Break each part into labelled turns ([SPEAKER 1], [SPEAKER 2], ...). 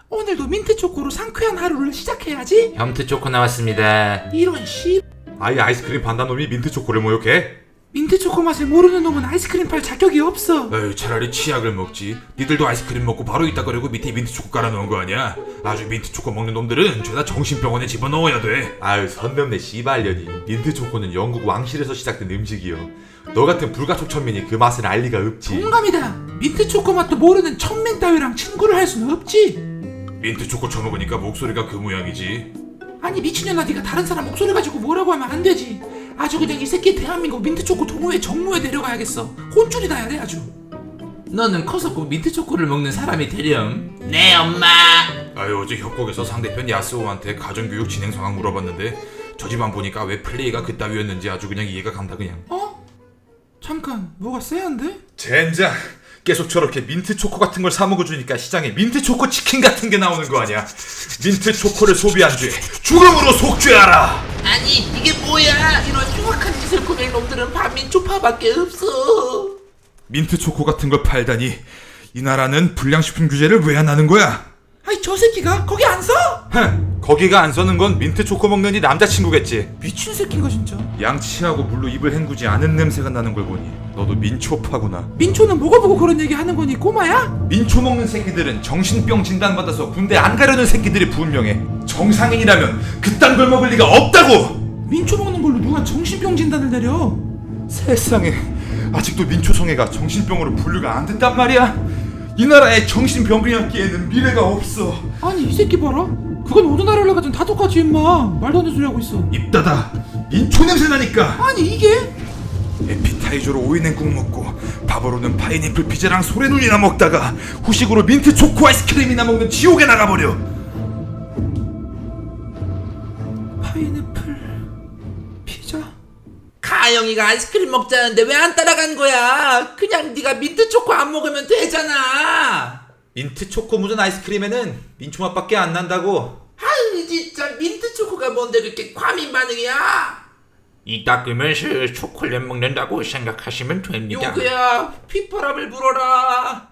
[SPEAKER 1] 오늘도 민트 초코로 상쾌한 하루를 시작해야지.
[SPEAKER 2] 염트 초코 나왔습니다.
[SPEAKER 1] 이런 씨.
[SPEAKER 3] 아예 아이스크림 반다놈이 민트 초코를 모욕해?
[SPEAKER 1] 민트 초코 맛을 모르는 놈은 아이스크림 팔 자격이 없어.
[SPEAKER 3] 에이, 차라리 치약을 먹지. 니들도 아이스크림 먹고 바로 있다거리고 밑에 민트 초코 깔아놓은 거 아니야? 아주 민트 초코 먹는 놈들은 죄다 정신병원에 집어넣어야 돼. 아유, 선 넘네 씨발년이. 민트 초코는 영국 왕실에서 시작된 음식이요. 너 같은 불가촉천민이 그 맛을 알 리가 없지.
[SPEAKER 1] 공감이다. 민트 초코 맛도 모르는 천민 따위랑 친구를 할 수는 없지.
[SPEAKER 3] 민트 초코 처먹으니까 목소리가 그 모양이지.
[SPEAKER 1] 아니 미친년아, 네가 다른 사람 목소리 가지고 뭐라고 하면 안 되지. 아주 그냥 이 새끼 대한민국 민트 초코 동호회 정모에 데려가야겠어. 혼쭐이 나야 돼 아주.
[SPEAKER 2] 너는 커서 꼭 민트 초코를 먹는 사람이 되렴. 네 엄마.
[SPEAKER 3] 아유, 어제 협곡에서 상대편 야스오한테 가정교육 진행 상황 물어봤는데 저 집안 보니까 왜 플레이가 그따위였는지 아주 그냥 이해가 간다 그냥.
[SPEAKER 1] 잠깐, 뭐가 쎄한데?
[SPEAKER 3] 젠장, 계속 저렇게 민트 초코 같은 걸 사 먹어주니까 시장에 민트 초코 치킨 같은 게 나오는 거 아니야. 민트 초코를 소비한 죄 죽음으로 속죄하라.
[SPEAKER 2] 아니 이게 뭐야? 이런 흉악한 짓을 꾸밀 놈들은 반민초파밖에 없어.
[SPEAKER 3] 민트 초코 같은 걸 팔다니. 이 나라는 불량식품 규제를 왜 안 하는 거야?
[SPEAKER 1] 아이 저 새끼가 거기 안 서?
[SPEAKER 3] 거기가 안 서는 건 민트 초코 먹는 네 남자친구겠지.
[SPEAKER 1] 미친 새끼인가 진짜.
[SPEAKER 3] 양치하고 물로 입을 헹구지 않은 냄새가 나는 걸 보니 너도 민초파구나.
[SPEAKER 1] 민초는 뭐가 보고 그런 얘기 하는 거니 꼬마야?
[SPEAKER 3] 민초 먹는 새끼들은 정신병 진단받아서 군대 안 가려는 새끼들이 분명해. 정상인이라면 그딴 걸 먹을 리가 없다고.
[SPEAKER 1] 민초 먹는 걸로 누가 정신병 진단을 내려?
[SPEAKER 3] 세상에, 아직도 민초성애가 정신병으로 분류가 안 됐단 말이야. 이 나라에 정신병이었기에는 미래가 없어.
[SPEAKER 1] 아니 이 새끼 봐라. 그건 어느 나라를 가든 다 똑같이 임마. 말도 안 되는 소리 하고 있어.
[SPEAKER 3] 입 닫아. 민초 냄새 나니까.
[SPEAKER 1] 아니 이게?
[SPEAKER 3] 에피타이저로 오이냉국 먹고 밥으로는 파인애플 피자랑 소래눈이나 먹다가 후식으로 민트 초코 아이스크림이나 먹는 지옥에 나가버려.
[SPEAKER 1] 파인애플 피자?
[SPEAKER 2] 가영이가 아이스크림 먹자는데 왜 안 따라간 거야? 그냥 네가 민트 초코 안 먹으면 되잖아.
[SPEAKER 3] 민트 초코 묻은 아이스크림에는 민초 맛밖에 안 난다고.
[SPEAKER 2] 아유 진짜 민트 초코가 뭔데 그렇게 과민 반응이야? 이 닦으면서 초콜릿 먹는다고 생각하시면 됩니다. 요거야, 휘파람을 불어라.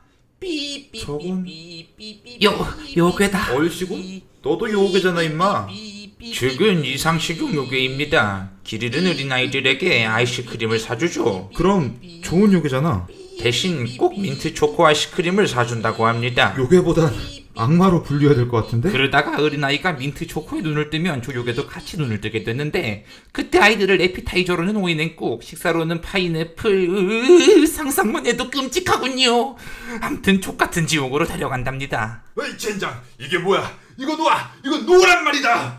[SPEAKER 2] 삐삐삐삐삐삐. 요괴다.
[SPEAKER 3] 얼씨구? 너도 요괴잖아 임마.
[SPEAKER 2] 죽은 이상식용 요괴입니다. 길 잃은 어린아이들에게 아이스크림을 사주죠.
[SPEAKER 3] 그럼 좋은 요괴잖아.
[SPEAKER 2] 대신 꼭 민트 초코 아이스크림을 사준다고 합니다.
[SPEAKER 3] 요괴보단 악마로 분류해야 될 것 같은데?
[SPEAKER 2] 그러다가 어린아이가 민트 초코에 눈을 뜨면 저 요괴도 같이 눈을 뜨게 됐는데, 그때 아이들을 에피타이저로는 오이냉국, 식사로는 파인애플, 상상만 해도 끔찍하군요. 암튼 족같은 지옥으로 데려간답니다.
[SPEAKER 3] 어이 젠장, 이게 뭐야? 이거 놓아! 이거 놓으란 말이다!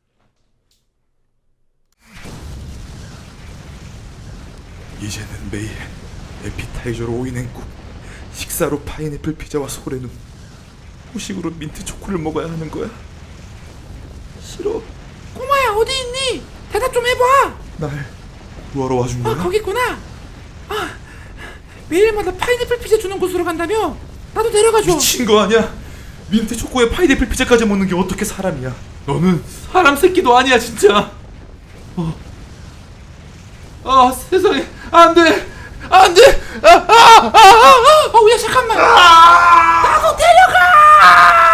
[SPEAKER 3] 이제는 매일 에피타이저로 오이냉국, 식사로 파인애플 피자와 소래눈, 후식으로 민트 초코를 먹어야 하는 거야? 싫어.
[SPEAKER 1] 꼬마야 어디 있니? 대답 좀 해봐.
[SPEAKER 3] 날 구하러 와준 거야?
[SPEAKER 1] 거기 있구나. 매일마다 파인애플 피자 주는 곳으로 간다며? 나도 데려가줘.
[SPEAKER 3] 미친 거 아니야? 민트 초코에 파인애플 피자까지 먹는 게 어떻게 사람이야? 너는 사람 새끼도 아니야 진짜. 세상에, 안돼, 안돼.
[SPEAKER 1] 야 잠깐만. 나도 데려가.